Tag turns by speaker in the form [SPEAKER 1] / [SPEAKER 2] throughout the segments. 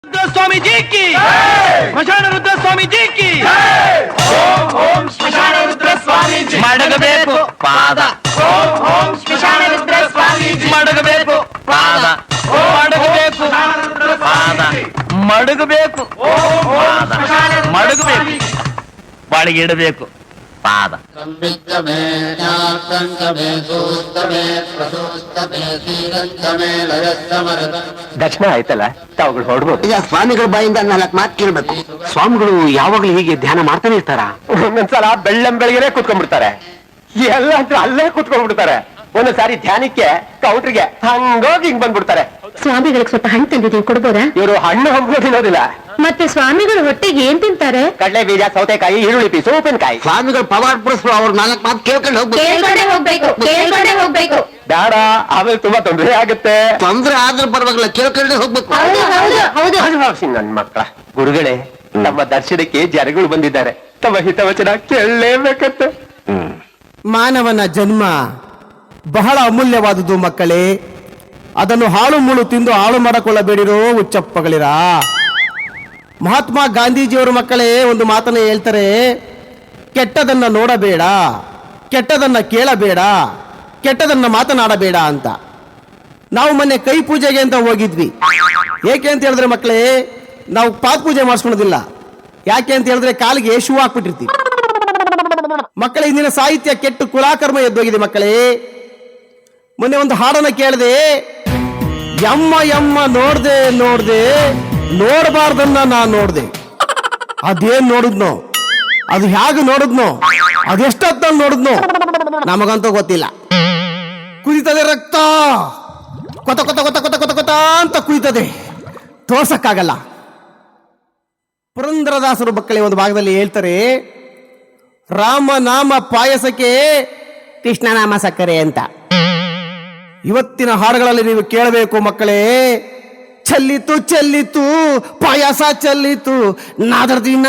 [SPEAKER 1] स्वामी जी की स्मशान रुद्र स्वामी जी की
[SPEAKER 2] ಓಂ ಓಂ ಸ್ಮಶಾನ ರುದ್ರ ಸ್ವಾಮೀಜಿ
[SPEAKER 1] ಮಡಗಬೇಕು ಪಾದ
[SPEAKER 2] ಓಂ ಓಂ ಸ್ಮಶಾನ ರುದ್ರ ಸ್ವಾಮೀಜಿ
[SPEAKER 1] ಮಡಗಬೇಕು ಪಾದ ಮಡಗಬೇಕು ಪಾದ ಮಡಗಬೇಕು ಪಾದ ಮಡಗಬೇಕು ಬಾಳಿಗೆ ಇಡಬೇಕು ಪಾದ
[SPEAKER 3] ದಕ್ಷಿಣ ಆಯ್ತಲ್ಲ ತಾವುಗಳು ಹೊರಡ್ಬೋದು.
[SPEAKER 4] ಈಗ ಸ್ವಾಮಿಗಳ ಬಾಯಿಂದ 4 ಮಾತು ಕೇಳ್ಬೇಕು.
[SPEAKER 3] ಸ್ವಾಮಿಗಳು ಯಾವಾಗ್ಲೂ ಹೀಗೆ ಧ್ಯಾನ ಮಾಡ್ತಾನೆ ಇರ್ತಾರ? ಒಂದೊಂದ್ಸಲ ಬೆಳ್ಳಂಬೆಳಗ್ಗೆನೆ ಕೂತ್ಕೊಂಡ್ಬಿಡ್ತಾರೆ, ಎಲ್ಲ ಅಲ್ಲೇ ಕೂತ್ಕೊಂಡ್ಬಿಡ್ತಾರೆ. ಒಂದೊಂದ್ಸಾರಿ ಧ್ಯಾನಕ್ಕೆ ಕೌಂಟ್ರಿಗೆ ಹಂಗೋಗಿ ಹಿಂಗ್ ಬಂದ್ಬಿಡ್ತಾರೆ.
[SPEAKER 5] ಸ್ವಾಮಿಗಳಿಗೆ ಸ್ವಲ್ಪ ಹಣ್ಣು ತಂದಿದ್ದೀವಿ, ಕೊಡ್ಬೋದಾ?
[SPEAKER 3] ಇವರು ಹಣ್ಣು ಹಂಪಲು ತಿನ್ನೋದಿಲ್ಲ.
[SPEAKER 5] ಮತ್ತೆ ಸ್ವಾಮಿಗಳು ಹೊಟ್ಟೆಗೆ ಏನ್ ತಿಂತಾರೆ?
[SPEAKER 3] ಕಡಲೆ ಬೀಜ, ಸೌತೆಕಾಯಿ, ಈರುಳ್ಳಿ ಪೀಸು, ಉಪ್ಪಿನಕಾಯಿ.
[SPEAKER 4] ಸ್ವಾಮಿಗಳು ಪವಾಡ ಪುರುಷರು, ಅವ್ರ 4 ಮಾತು ಕೇಳ್ಕೊಂಡು
[SPEAKER 5] ಹೋಗ್ಬೇಕು.
[SPEAKER 3] ಬೇಡ, ಆಮೇಲೆ ತುಂಬಾ ತೊಂದರೆ ಆಗುತ್ತೆ.
[SPEAKER 4] ತೊಂದ್ರೆ ಆದ್ರೂ ಪರವಾಗಿಲ್ಲ, ಕೇಳ್ಕೊಂಡೆ ಹೋಗ್ಬೇಕು.
[SPEAKER 3] ನನ್ ಮಕ್ಕಳ ಗುರುಗಳೇ, ನಮ್ಮ ದರ್ಶನಕ್ಕೆ ಜನಗಳು ಬಂದಿದ್ದಾರೆ, ತಮ್ಮ ಹಿತವಚನ ಕೇಳಲೇಬೇಕಂತೆ.
[SPEAKER 6] ಮಾನವನ ಜನ್ಮ ಬಹಳ ಅಮೂಲ್ಯವಾದುದು ಮಕ್ಕಳೇ. ಅದನ್ನು ಹಾಳು ಮುಳು ತಿಂದು ಹಾಳು ಮಾಡಿಕೊಳ್ಳಬೇಡಿರೋ ಹುಚ್ಚಪ್ಪಗಳಿರ. ಮಹಾತ್ಮ ಗಾಂಧೀಜಿಯವರ ಮಕ್ಕಳೇ ಒಂದು ಮಾತನ್ನು ಹೇಳ್ತಾರೆ, ಕೆಟ್ಟದನ್ನ ನೋಡಬೇಡ, ಕೆಟ್ಟದನ್ನ ಕೇಳಬೇಡ, ಕೆಟ್ಟದನ್ನ ಮಾತನಾಡಬೇಡ ಅಂತ. ನಾವು ಮೊನ್ನೆ ಕೈ ಪೂಜೆಗೆ ಅಂತ ಹೋಗಿದ್ವಿ. ಏಕೆ ಅಂತ ಹೇಳಿದ್ರೆ ಮಕ್ಕಳೇ, ನಾವು ಪಾದ ಪೂಜೆ ಮಾಡಿಸ್ಕೊಳೋದಿಲ್ಲ. ಯಾಕೆ ಅಂತ ಹೇಳಿದ್ರೆ ಕಾಲಿಗೆ ಶೂ ಹಾಕ್ಬಿಟ್ಟಿರ್ತೀವಿ. ಮಕ್ಕಳೇ, ಇಂದಿನ ಸಾಹಿತ್ಯ ಕೆಟ್ಟು ಕುಲಾಕರ್ಮ ಎದ್ದೋಗಿದೆ ಮಕ್ಕಳೇ. ಮೊನ್ನೆ ಒಂದು ಹಾಡನ್ನ ಕೇಳಿದೆ, ಯಮ್ಮ ಯಮ್ಮ ನೋಡ್ದೆ ನೋಡಬಾರ್ದನ್ನ ನಾನು ನೋಡ್ದೆ. ಅದೇನ್ ನೋಡಿದ್ನೋ, ಅದು ಹೇಗೆ ನೋಡಿದ್ನೋ, ಅದೆಷ್ಟೊತ್ತಲ್ಲಿ ನೋಡಿದ್ನೋ ನಮಗಂತೂ ಗೊತ್ತಿಲ್ಲ. ಕುದಿತದೆ ರಕ್ತ, ಕೊತ ಕೊತ ಕೊತ ಕೊತ ಕೊತ ಕೊತ ಅಂತ ಕುದಿತದೆ, ತೋರ್ಸಕ್ಕಾಗಲ್ಲ. ಪುರಂದರದಾಸರು ಮಕ್ಕಳೇ ಒಂದು ಭಾಗದಲ್ಲಿ ಹೇಳ್ತಾರೆ, ರಾಮನಾಮ ಪಾಯಸಕ್ಕೆ ಕೃಷ್ಣನಾಮ ಸಕ್ಕರೆ ಅಂತ. ಇವತ್ತಿನ ಹಾಡುಗಳಲ್ಲಿ ನೀವು ಕೇಳಬೇಕು ಮಕ್ಕಳೇ, ಚೆಲ್ಲಿತು ಚೆಲ್ಲಿತು ಪಾಯಸ ಚೆಲ್ಲಿತು, ನಾದರ್ದಿನ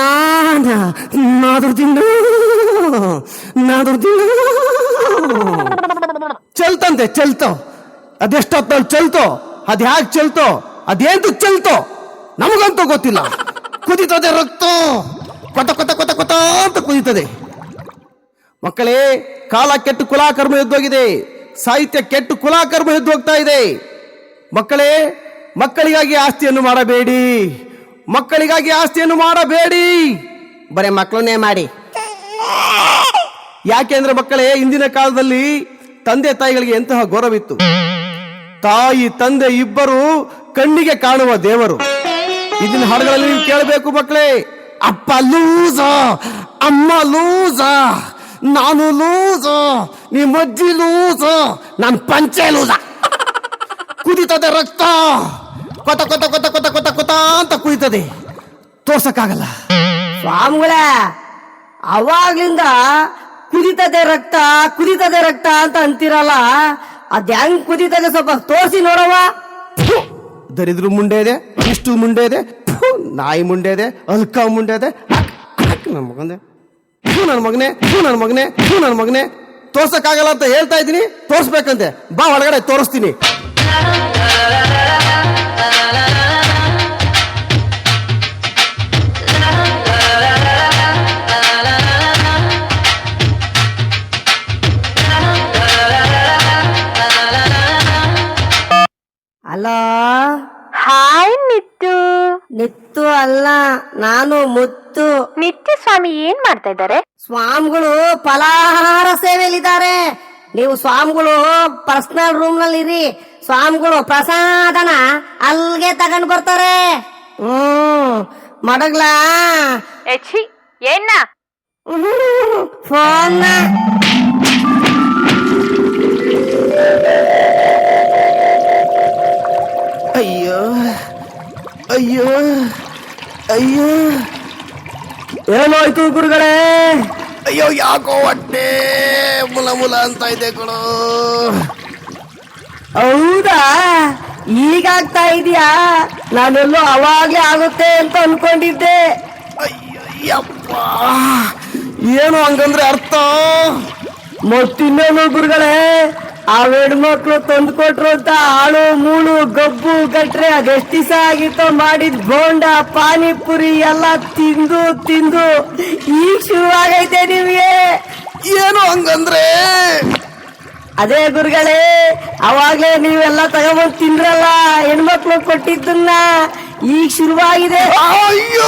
[SPEAKER 6] ಚೆಲ್ತಂತೆ, ಚೆಲ್ತೋ. ಅದೆಷ್ಟೊತ್ತಲ್ಲಿ ಚೆಲ್ತೋ, ಅದ್ ಹ್ಯಾಕ್ ಚೆಲ್ತೋ, ಅದೇಂದು ಚೆಲ್ತೋ ನಮಗಂತೂ ಗೊತ್ತಿಲ್ಲ. ಕುದಿತದೆ ರಕ್ತ, ಕೊತ ಕೊತ ಕೊತ ಕೊತ ಅಂತ ಕುದಿತದೆ. ಮಕ್ಕಳೇ, ಕಾಲ ಕೆಟ್ಟು ಕುಲಾಕರ್ಮ ಎದ್ದೋಗಿದೆ, ಸಾಹಿತ್ಯ ಕೆಟ್ಟು ಕುಲಾಕರ್ಮ ಎದ್ದು ಹೋಗ್ತಾ ಇದೆ. ಮಕ್ಕಳೇ, ಮಕ್ಕಳಿಗಾಗಿ ಆಸ್ತಿಯನ್ನು ಮಾಡಬೇಡಿ, ಮಕ್ಕಳಿಗಾಗಿ ಆಸ್ತಿಯನ್ನು ಮಾಡಬೇಡಿ, ಬರೇ ಮಕ್ಕಳನ್ನೇ ಮಾಡಿ. ಯಾಕೆಂದ್ರೆ ಮಕ್ಕಳೇ, ಇಂದಿನ ಕಾಲದಲ್ಲಿ ತಂದೆ ತಾಯಿಗಳಿಗೆ ಎಂತಹ ಗೌರವಿತ್ತು. ತಾಯಿ ತಂದೆ ಇಬ್ಬರು ಕಣ್ಣಿಗೆ ಕಾಣುವ ದೇವರು. ಇದನ್ನ ಹಾಡುಗಳಲ್ಲಿ ನೀವು ಕೇಳಬೇಕು ಮಕ್ಕಳೇ. ಅಪ್ಪ ಲೂಸ, ಅಮ್ಮ ಲೂಸ, ನಾನು ಲೂಸ, ನಿಮ್ಮಜ್ಜಿ ಲೂಸ, ನಾನು ಪಂಚೆ ಲೂಸ. ಕುದಿತದೆ ರಕ್ತ, ಕೊತ ಕೊತ ಕೊತ ಕೊತ ಕೊತ ಕೊತ ಅಂತ ಕುದಿತದೆ, ತೋರ್ಸಕ್ಕಾಗಲ್ಲ.
[SPEAKER 7] ಸ್ವಾಮಿಗಳ ಅವಾಗ್ಲಿಂದ ಕುದಿತದೆ ರಕ್ತ ಅಂತ ಅಂತಿರಲ್ಲ, ಅದ್ ಹೆಂಗ್ ಕುದಿತದೆ ಸ್ವಲ್ಪ ತೋರಿಸಿ ನೋಡವ.
[SPEAKER 6] ದರಿದ್ರ ಮುಂಡೆ ಇದೆ, ಇಷ್ಟು ಮುಂಡೆ ಇದೆ, ನಾಯಿ ಮುಂಡೆ ಇದೆ, ಅಲ್ಕ ಮುಂಡೆ ಇದೆ. ನನ್ನ ಮಗನೇ, ನನ್ನ ಮಗನೇ ತೋರ್ಸಕ್ಕಾಗಲ್ಲ ಅಂತ ಹೇಳ್ತಾ ಇದ್ದೀನಿ, ತೋರ್ಸ್ಬೇಕಂತೆ. ಬಾ ಒಳಗಡೆ ತೋರಿಸ್ತೀನಿ.
[SPEAKER 7] ಅಲೋ,
[SPEAKER 5] ಹಾಯ್
[SPEAKER 7] ನಿತ್ತು ಅಲ್ಲ, ನಾನು ಮುತ್ತು.
[SPEAKER 5] ನಿತ್ಯ ಸ್ವಾಮಿ ಏನ್ ಮಾಡ್ತಾ ಇದ್ದಾರೆ?
[SPEAKER 7] ಸ್ವಾಮಿಗಳು ಫಲಾಹಾರ ಸೇವೆಯಲ್ಲಿದ್ದಾರೆ. ನೀವು ಸ್ವಾಮಿಗಳು ಪರ್ಸನಲ್ ರೂಮ್ ನಲ್ಲಿ ಇರಿ. ಸ್ವಾಮಿಗಳು ಪ್ರಸಾದನ ಅಲ್ಗೆ ತಗೊಂಡ್ ಬರ್ತಾರೆ. ಮಡಗ್ಲಾ
[SPEAKER 5] ಏನ
[SPEAKER 7] ಫೋನ್
[SPEAKER 6] ಅಯ್ಯೋ ಅಯ್ಯೋ ಅಯ್ಯೋ, ಏನಾಯ್ತು ಗುರುಗಳೇ? ಅಯ್ಯೋ, ಯಾಕೋ ಹೊಟ್ಟೆ ಮುಲ ಮುಲ ಅಂತ ಇದೆ ಕಣೋ.
[SPEAKER 7] ಹೌದಾ, ಈಗಾಗ್ತಾ ಇದೆಯಾ? ನಾನೆಲ್ಲೋ ಅವಾಗ್ಲೇ ಆಗುತ್ತೆ ಅಂತ ಅನ್ಕೊಂಡಿದ್ದೆ.
[SPEAKER 6] ಅಯ್ಯಪ್ಪ, ಏನು ಹಂಗಂದ್ರೆ ಅರ್ಥ?
[SPEAKER 7] ಮತ್ತಿನ್ನೇನು ಗುರುಗಳೇ, ಆ ಹೆಣ್ಮಕ್ಳು ತಂದು ಕೊಟ್ರು ಅಂತ ಆಳು ಮೂಳು ಗಬ್ಬು ಗಟ್ರೆ ಅದೆಷ್ಟು ದಿವಸ ಆಗಿತ್ತೋ ಮಾಡಿದ್ ಬೋಂಡ ಪಾನಿಪುರಿ ಎಲ್ಲ ತಿಂದು ತಿಂದು ಈಗ ಶುರುವಾಗೈತೆ ನಿಮ್ಗೆ.
[SPEAKER 6] ಏನು ಹಂಗಂದ್ರೆ?
[SPEAKER 7] ಅದೇ ಗುರುಗಳೇ, ಅವಾಗ್ಲೇ ನೀವೆಲ್ಲ ತಗೊಂಡ್ಬಂದು ತಿಂದ್ರಲ್ಲ ಹೆಣ್ಮಕ್ಳು ಕೊಟ್ಟಿದ್ದನ್ನ, ಈಗ ಶುರುವಾಗಿದೆ.
[SPEAKER 6] ಅಯ್ಯೋ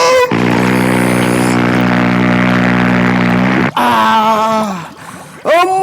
[SPEAKER 6] ಅಮ್ಮ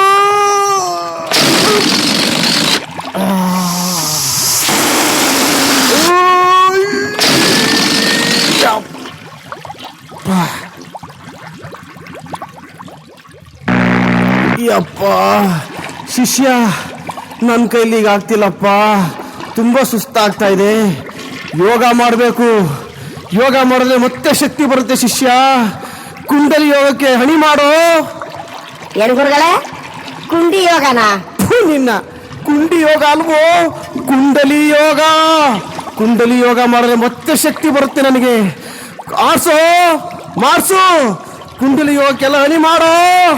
[SPEAKER 6] ಯಪ್ಪ ಶಿಷ್ಯ, ನನ್ನ ಕೈಲಿ ಈಗ ಆಗ್ತಿಲ್ಲಪ್ಪ, ತುಂಬಾ ಸುಸ್ತಾಗ್ತಾ ಇದೆ. ಯೋಗ ಮಾಡಬೇಕು. ಯೋಗ ಮಾಡಿದ್ರೆ ಮತ್ತೆ ಶಕ್ತಿ ಬರುತ್ತೆ ಶಿಷ್ಯ. ಕುಂಡಲಿ ಯೋಗಕ್ಕೆ ಹಣಿ ಮಾಡೋ.
[SPEAKER 7] ಏನ್ ಗುರುಗಳೇ, ಕುಂಡಿ ಯೋಗನ?
[SPEAKER 6] ನಿನ್ನ ಕುಂಡಿ ಯೋಗ ಅಲ್ವೋ, ಕುಂಡಲಿ ಯೋಗ. ಕುಂಡಲಿ ಯೋಗ ಮಾಡಿದ್ರೆ ಮತ್ತೆ ಶಕ್ತಿ ಬರುತ್ತೆ ನನಗೆ. ಆರ್ಸೋ, ಮಾಡ್ಸು, ಕುಂಡಲಿ ಯೋಗಕ್ಕೆಲ್ಲ ಹಣಿ ಮಾಡೋ.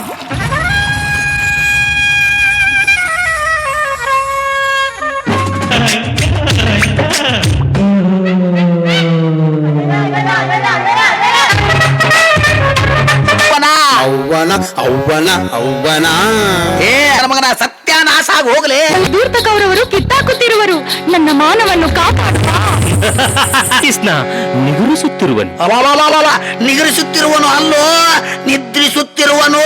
[SPEAKER 4] ಅವ್ವನ ಅವ್ವನ ಅವ್ವನ ಏ ಮಗನ ಸತ್ಯಾನಾಶ ಆಗಿ ಹೋಗ್ಲಿ.
[SPEAKER 5] ದೂರ್ತಕವರವರು ಕಿತ್ತಾಕುತ್ತಿರುವರು, ನನ್ನ ಮಾನವನ್ನು ಕಾಪಾಡುವ.
[SPEAKER 1] ಕೃಷ್ಣ ನಿಗುರಿಸುತ್ತಿರುವನು.
[SPEAKER 4] ನಿಗರಿಸುತ್ತಿರುವನು ಅಲ್ಲೋ, ನಿದ್ರಿಸುತ್ತಿರುವನು.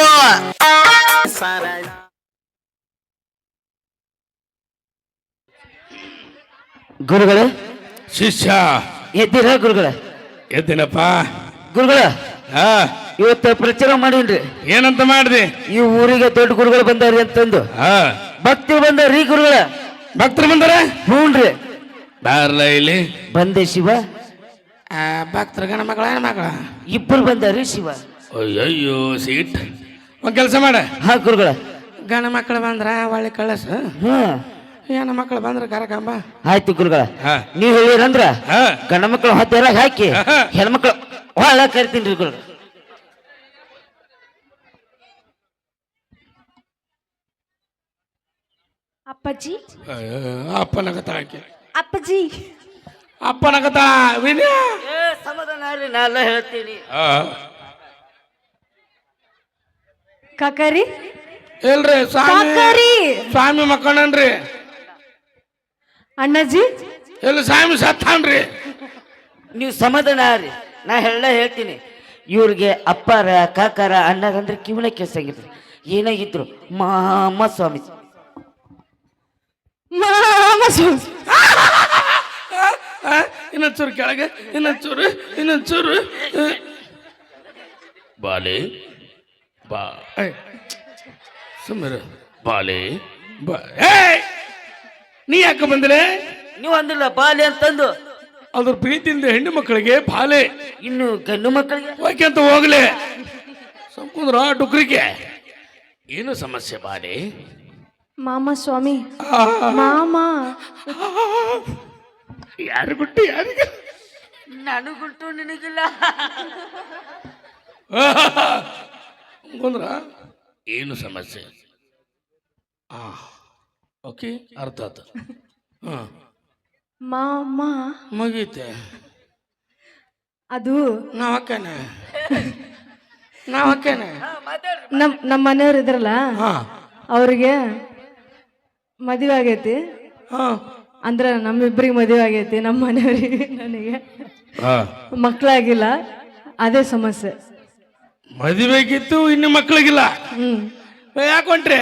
[SPEAKER 2] ಗುರುಗಳೇ,
[SPEAKER 3] ಶಿಷ್ಯ
[SPEAKER 2] ಎದ್ದೀರ ಗುರುಗಳ?
[SPEAKER 3] ಎದ್ದೇನಪ್ಪ.
[SPEAKER 2] ಗುರುಗಳ,
[SPEAKER 3] ಹಾ,
[SPEAKER 2] ಇವತ್ತು ಪ್ರಚಾರ ಮಾಡೀನ್ರಿ.
[SPEAKER 3] ಏನಂತ ಮಾಡ್ದಿ?
[SPEAKER 2] ಈ ಊರಿಗೆ ದೊಡ್ಡ ಗುರುಗಳು ಬಂದಾರಿ ಅಂತಂದು.
[SPEAKER 3] ಹಾ,
[SPEAKER 2] ಭಕ್ತರು ಬಂದಾರ್ರಿ ಗುರುಗಳ.
[SPEAKER 3] ಭಕ್ತರು ಬಂದಾರ?
[SPEAKER 2] ಹ್ಞೂನ್ರಿ.
[SPEAKER 3] ಬಾರ್ಲ ಇಲ್ಲಿ.
[SPEAKER 2] ಬಂದೆ ಶಿವ.
[SPEAKER 3] ಭಕ್ತರ ಗಣ ಮಗಳ ಮಗಳ
[SPEAKER 2] ಇಬ್ಬರು ಬಂದಾರ್ರಿ ಶಿವ.
[SPEAKER 3] ಅಯ್ಯಯ್ಯೋ ಸೀಟ್. ಒಂದ್ ಕೆಲಸ ಮಾಡ.
[SPEAKER 2] ಹಾ ಗುರುಗಳ.
[SPEAKER 3] ಗಣ ಮಕ್ಕಳು ಬಂದ್ರ ಒಳ್ಳೆ ಕಳಸ,
[SPEAKER 2] ಹ್ಮ್,
[SPEAKER 3] ಹೆಣ್ಣು ಮಕ್ಕಳು ಬಂದ್ರ ಕರಕಂಬ.
[SPEAKER 2] ಆಯ್ತು ಗುರುಗಳ.
[SPEAKER 3] ಹಾ.
[SPEAKER 2] ನೀವ್ ಹೇಳಿರಂದ್ರ
[SPEAKER 3] ಹಾ.
[SPEAKER 2] ಗಂಡ ಮಕ್ಕಳು ಹೊತ್ತೆಲ್ಲ ಹಾಕಿ
[SPEAKER 3] ಹಾ.
[SPEAKER 2] ಹೆಣ್ಮಕ್ಳು ಒಳ ಕರಿತೀನಿ ಗುರುಗಳ.
[SPEAKER 5] ಅಪ್ಪಾಜಿ,
[SPEAKER 3] ಅಪ್ಪನಗತ ಹಾಕಿ.
[SPEAKER 5] ಅಪ್ಪಾಜಿ,
[SPEAKER 3] ಅಪ್ಪನಗತ ವಿನಯ.
[SPEAKER 2] ಸಮಾಧಾನ ರೀ, ನಾ ಎಲ್ಲ ಹೇಳ್ತೀನಿ.
[SPEAKER 5] ಕಾಕಾರಿ,
[SPEAKER 3] ಇಲ್ರಿ ಸ್ವಾಮಿ,
[SPEAKER 5] ಕಾಕಾರಿ,
[SPEAKER 3] ಸ್ವಾಮಿ ಮಕ್ಕಳನ್ರಿ.
[SPEAKER 5] ಅಣ್ಣಾಜಿ,
[SPEAKER 3] ಎಲ್ಲಿ ಸ್ವಾಮಿ ಸತ್ತಾನ್ರಿ.
[SPEAKER 2] ನೀವು ಸಮಾಧಾನ ರೀ, ನಾ ಎಲ್ಲ ಹೇಳ್ತೀನಿ. ಇವ್ರಿಗೆ ಅಪ್ಪಾರ ಕಾಕಾರ ಅಣ್ಣಾರ ಅಂದ್ರೆ ಕಿವಣ ಕೆಲ್ಸಂಗಿದ್ರು. ಏನಾಗಿದ್ರು ಮಾಮ ಸ್ವಾಮಿ.
[SPEAKER 3] ಇನ್ನೊಂಚೂರು ಕೆಳಗೆ, ಇನ್ನೊಂಚೂರು, ಇನ್ನೊಂಚೂರು. ಬಾಲೆ ಬಾ, ಸುಮ್ಮನೆ ಬಾಲೆ ಬಾ. ನೀ ಯಾಕೆ ಬಂದ್ರೆ?
[SPEAKER 2] ನೀವು ಅಂದಿಲ್ಲ ಬಾಲೆ ಅಂತಂದು.
[SPEAKER 3] ಅದ್ರ ಪ್ರೀತಿಯಿಂದ ಹೆಣ್ಣು ಮಕ್ಕಳಿಗೆ ಬಾಲೆ,
[SPEAKER 2] ಇನ್ನು ಗಂಡು ಮಕ್ಕಳಿಗೆ
[SPEAKER 3] ಓಕೆ ಅಂತ ಹೋಗ್ಲಿ. ಸಂಕುಂದ್ರ ಡುಕ್ರಿಗೆ ಏನು ಸಮಸ್ಯೆ ಬಾಲೆ?
[SPEAKER 5] ಮಾಮ ಸ್ವಾಮಿ, ಮಾಮ.
[SPEAKER 3] ಯಾರು ಗುಟ್ಟು ಯಾರಿಗೆ?
[SPEAKER 2] ನನಗುಂಟು ನಿನಗಿಲ್ಲ.
[SPEAKER 3] ಕುಂದ್ರ ಏನು ಸಮಸ್ಯೆ? ಓಕೆ, ಅರ್ಥ ಆಯ್ತು.
[SPEAKER 5] ಮಾಮ,
[SPEAKER 3] ಮುಗೀತೆ.
[SPEAKER 5] ಅದು
[SPEAKER 3] ನಾವ್ ಅಕ್ಕನೆ
[SPEAKER 5] ನಮ್ಮ ಮನೆಯವ್ರು ಇದ್ರಲ್ಲ, ಅವ್ರಿಗೆ ಮದುವೆ ಆಗೈತಿ. ಅಂದ್ರೆ ನಮ್ಮಿಬ್ಬರಿಗೆ ಮದುವೆ ಆಗೈತಿ, ನಮ್ಮ ಮನೆಯವ್ರಿಗೆ ನನಗೆ ಮಕ್ಕಳಾಗಿಲ್ಲ. ಅದೇ ಸಮಸ್ಯೆ.
[SPEAKER 3] ಮದುವೆಗಿತ್ತು, ಇನ್ನು ಮಕ್ಕಳಿಗಿಲ್ಲ. ಯಾಕೆ ಹೊಂಟ್ರಿ?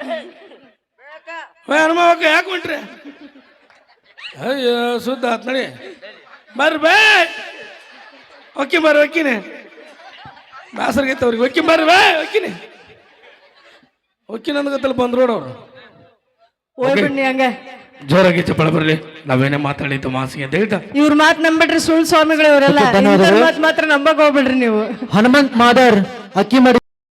[SPEAKER 3] ಹನುಮಕ್ಕ ಯಾಕೆ ಹೊಂಟ್ರಿ? ಅಯ್ಯೋ ಸುದ್ದ ಆತ್ ನಡಿ. ಬರ್ರಿ ಬೇ, ಒಕ್ಕಿ ಬರ್ರಿ, ಒಕ್ಕಿನಿ ಬೇಸರ್ಗೈತೆ ಅವ್ರಿಗೆ. ಒಕ್ಕಿ ಬರ್ರಿ ಬೇ, ಒಕ್ಕಿನಿ ಒಕ್ಕಿ ನಂದ್ಗತ್ತಲ್ಲಿ ಬಂದ್ರು ಅವ್ರು.
[SPEAKER 5] ಹೋಗ್ಬಿಡ್ನಿ ಹಂಗ
[SPEAKER 3] ಜೋರಾಗಿ ಚಪ್ಪಳ ಬರ್ಲಿ. ನಾವೇನೇ ಮಾತಾಡಿದ್ದು ಮಾಸಿಗೆ ಅಂತ ಹೇಳ್ತಾ
[SPEAKER 5] ಇವ್ರ ಮಾತು ನಂಬಿಟ್ರಿ ಸುಳ್ಳು ಸ್ವಾಮಿಗಳು ಇವರೆಲ್ಲ. ಮಾತು ಮಾತ್ರ ನಂಬಕ್ ಹೋಗ್ಬಿಡ್ರಿ ನೀವು.
[SPEAKER 2] ಹನುಮಂತ್ ಮಾದರ್ ಅಕ್ಕಿ ಮಾಡಿ